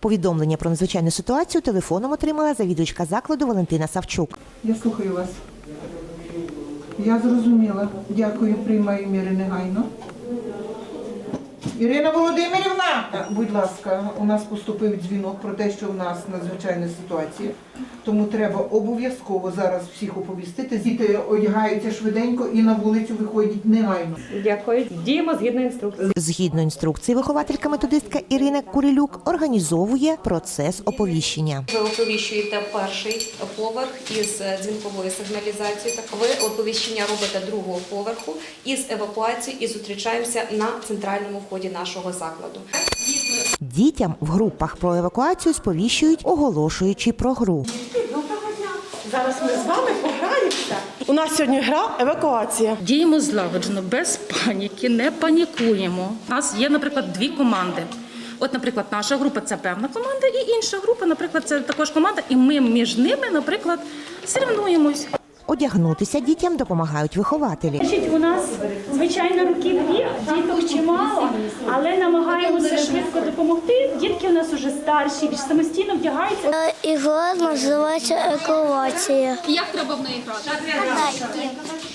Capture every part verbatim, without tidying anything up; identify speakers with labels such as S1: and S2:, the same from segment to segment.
S1: Повідомлення про надзвичайну ситуацію телефоном отримала завідувачка закладу Валентина Савчук.
S2: Я слухаю вас. Я зрозуміла. Дякую, приймаю міри негайно. Ірина Володимирівна, так, будь ласка, у нас поступив дзвінок про те, що у нас надзвичайна ситуація. Тому треба обов'язково зараз всіх оповістити. Діти одягаються швиденько і на вулицю виходять негайно.
S3: Дякую. Діємо згідно інструкції.
S1: Згідно інструкції, вихователька-методистка Ірина Курилюк організовує процес оповіщення.
S4: Ви оповіщуєте перший поверх із дзвінковою сигналізацією. Так ви оповіщення робите другого поверху із евакуацією і зустрічаємося на центральному вході нашого закладу.
S1: Дітям в групах про евакуацію сповіщують, оголошуючи про гру.
S5: Доброго дня! Зараз ми з вами пограємося. У нас сьогодні гра «Евакуація».
S6: Діємо злагоджено, без паніки, не панікуємо. У нас є, наприклад, дві команди. От, наприклад, наша група – це певна команда, і інша група, наприклад, це також команда, і ми між ними, наприклад, соревнуємось.
S1: Одягнутися дітям допомагають вихователі.
S7: Значить, у нас, звичайно, років вік, діток чимало, але намагаємося швидко допомогти. Дітки у нас вже старші, більш самостійно вдягаються.
S8: Ігра називається «Евакуація».
S9: Як треба в неї грати?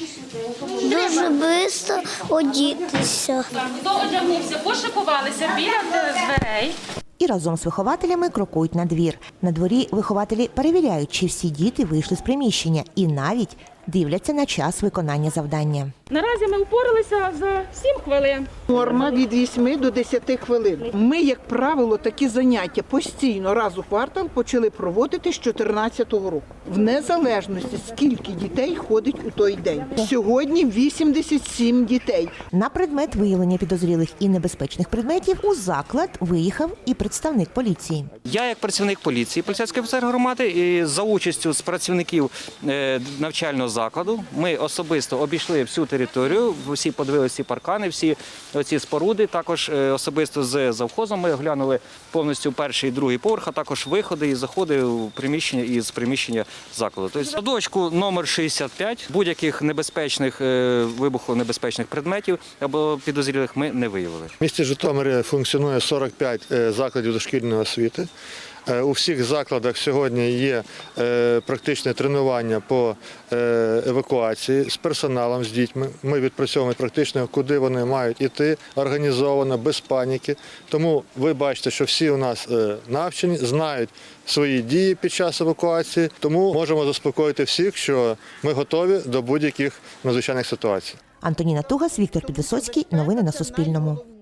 S8: Дуже швидко одітися.
S6: Хто одягнувся, пошикувалися біля дверей.
S1: І разом з вихователями крокують на двір. На дворі вихователі перевіряють, чи всі діти вийшли з приміщення і навіть дивляться на час виконання завдання.
S3: Наразі ми впоралися за сім хвилин.
S2: Норма від вісьми до десяти хвилин. Ми, як правило, такі заняття постійно раз у квартал почали проводити з чотирнадцятого року. В незалежності, скільки дітей ходить у той день. Сьогодні вісімдесят сім дітей.
S1: На предмет виявлення підозрілих і небезпечних предметів у заклад виїхав і представник поліції.
S10: Я, як працівник поліції, поліцейський офіцер громади, і за участю з працівників навчального закладу ми особисто обійшли всю територію, всі подивилися всі паркани, всі ці споруди. Також особисто з завхозом ми оглянули повністю перший і другий поверх, а також виходи і заходи у приміщення і з приміщення закладу. Тобто садочку номер шістдесят п'ять будь-яких небезпечних, вибухонебезпечних предметів або підозрілих ми не виявили.
S11: В місті Житомирі функціонує сорок п'ять закладів дошкільної освіти. У всіх закладах сьогодні є практичне тренування по евакуації з персоналом, з дітьми. Ми відпрацьовуємо практично, куди вони мають йти, організовано, без паніки. Тому ви бачите, що всі у нас навчені, знають свої дії під час евакуації. Тому можемо заспокоїти всіх, що ми готові до будь-яких надзвичайних ситуацій.
S1: Антоніна Тугас, Віктор Підвисоцький. Новини на Суспільному.